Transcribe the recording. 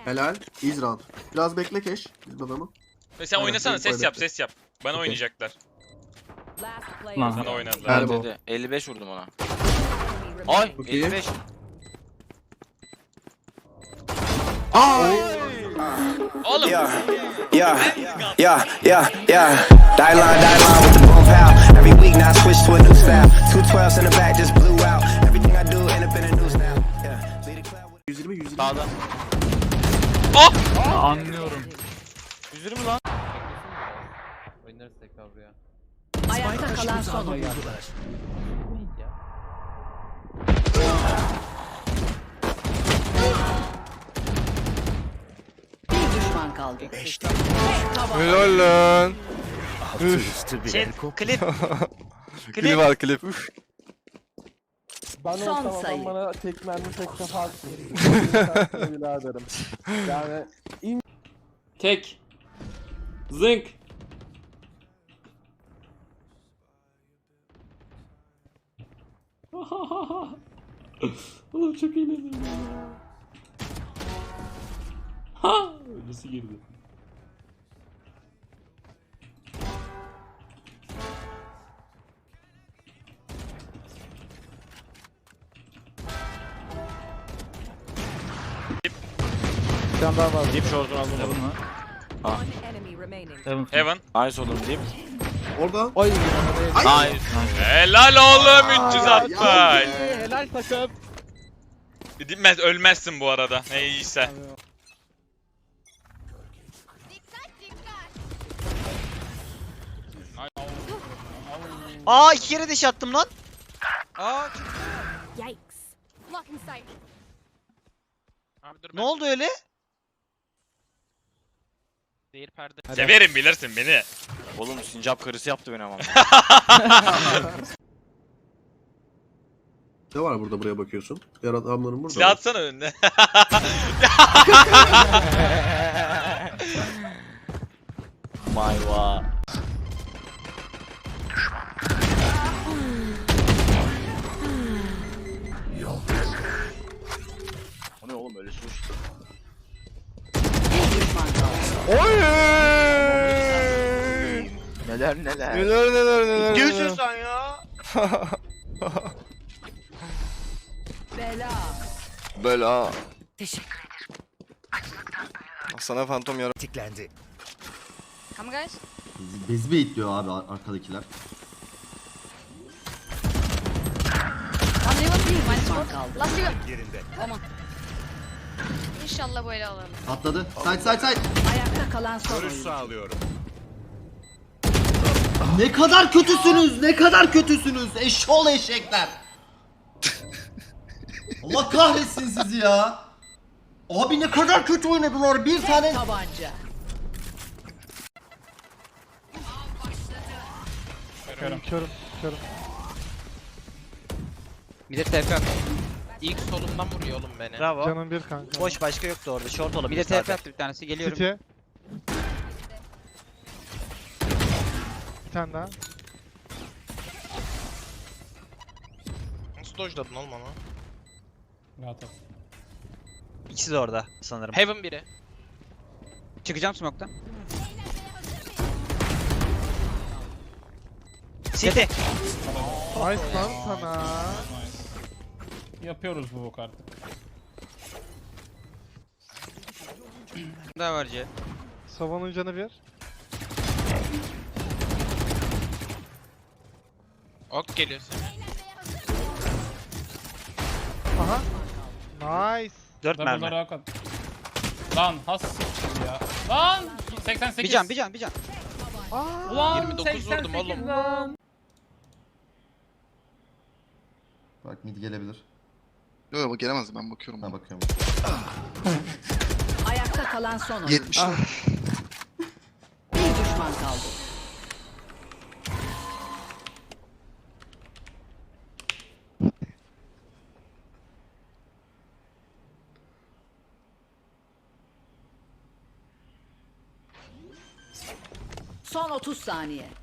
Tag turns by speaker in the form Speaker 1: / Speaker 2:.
Speaker 1: Helal. İz round. Biraz bekle Keş. Biz adamı.
Speaker 2: Sen
Speaker 1: Aynen,
Speaker 2: oynasana,
Speaker 1: benim
Speaker 2: ses
Speaker 1: öyle.
Speaker 2: yap, ses yap. Bana
Speaker 1: Okey.
Speaker 2: oynayacaklar.
Speaker 3: Lan.
Speaker 2: Sana oynadılar.
Speaker 1: Elbow.
Speaker 4: Dedi. 55 vurdum ona. Ay
Speaker 1: Çok iyi.
Speaker 4: 55.
Speaker 2: Oğlum.
Speaker 5: Yeah, yeah, yeah, yeah. Die line with the boom pow. Every week now I switch to a new style. 212s in the back just blew out. Everything I do end up in the news now. Yeah, lead the club with
Speaker 1: 120 120.
Speaker 4: Sağda.
Speaker 3: Anlıyorum.
Speaker 4: 120 lan.
Speaker 6: Oynarız tekrar buraya.
Speaker 7: Ayakta kalan son oyuncular. Bir düşman kaldı.
Speaker 8: Helal lan.
Speaker 4: Şey, klip.
Speaker 8: Klip var klip.
Speaker 9: Ben
Speaker 7: Son
Speaker 9: olsam
Speaker 7: sayı.
Speaker 9: adam bana tek mermi tek defa atsın. Biraderim. Yani
Speaker 6: Tek. Zınk. Oğlum çok eğleniyorum ya. Ha! Öylesi girdi.
Speaker 3: Bir tane daha var.
Speaker 4: Deep short'unu aldım.
Speaker 3: Heaven mı? Heaven.
Speaker 2: Heaven.
Speaker 4: Nice oğlum deep.
Speaker 1: Orada.
Speaker 3: Oy.
Speaker 4: Nice.
Speaker 2: Helal oğlum 360.
Speaker 3: Helal takım.
Speaker 2: Dinmez, ölmezsin bu arada. Ne iyiyse.
Speaker 4: Aa 2 kere deş attım lan. Aa
Speaker 7: Yikes.
Speaker 4: ne oldu öyle?
Speaker 2: Severim, bilirsin beni.
Speaker 4: Oğlum sincap karısı yaptı beni ama.
Speaker 1: Ne var burada buraya bakıyorsun? Diğer adamların burada.
Speaker 2: Silah
Speaker 1: mı?
Speaker 2: atsana önüne.
Speaker 4: Mayva. O ne oğlum öyle sus.
Speaker 7: Bir düşman kaldı.
Speaker 8: Oy!
Speaker 4: Neler
Speaker 8: Neler
Speaker 4: neler.
Speaker 8: neler neler.
Speaker 4: Diyorsun
Speaker 8: neler.
Speaker 4: sen ya.
Speaker 7: Bela.
Speaker 8: Bela.
Speaker 7: Teşekkür
Speaker 8: Sana fantom yara.
Speaker 10: Come guys.
Speaker 1: Bez bekliyor abi arkadakiler.
Speaker 10: One level değil. Minus
Speaker 7: düşman
Speaker 10: 4.
Speaker 7: kaldı.
Speaker 10: Last level. Aman. İnşallah böyle alırım.
Speaker 1: Atladı. Side side side.
Speaker 7: Ayakta kalan son oyuncu.
Speaker 1: Ne kadar kötüsünüz. Ne kadar kötüsünüz. Eşşoğlu eşekler. Allah kahretsin sizi ya. Abi ne kadar kötü oynadılar. Bir tane.
Speaker 7: Tabanca.
Speaker 3: Körüm.
Speaker 6: Bir de TP. İlk solumdan vuruyor oğlum beni.
Speaker 4: Bravo.
Speaker 3: Canım bir kanka.
Speaker 4: Boş başka yoktu orada. Short olabilir.
Speaker 6: Bir de TP
Speaker 4: zaten.
Speaker 6: attı bir tanesi. Geliyorum.
Speaker 3: City. Bir tane daha.
Speaker 6: Nasıl dojladın oğlum onu?
Speaker 4: İkisi de orada sanırım.
Speaker 6: Heaven biri.
Speaker 4: Çıkacağım smoke'tan. City.
Speaker 3: Nice lan sana.
Speaker 6: Yapıyoruz bu bok artık.
Speaker 4: Daha var C.
Speaker 3: Sova'nın canı bir.
Speaker 6: Ok geliyor sana.
Speaker 3: Aha. Nice.
Speaker 4: 4 mermi.
Speaker 6: Lan has ya. Lan 88.
Speaker 4: Bir can.
Speaker 6: Ulan 29 vurdum oğlum.
Speaker 1: Bak mid gelebilir.
Speaker 8: Yok gelemez ben bakıyorum.
Speaker 1: Ha bakıyorum.
Speaker 7: Ayakta kalan son oyuncu.
Speaker 8: 70.
Speaker 7: Bir düşman kaldı. Son 30 saniye.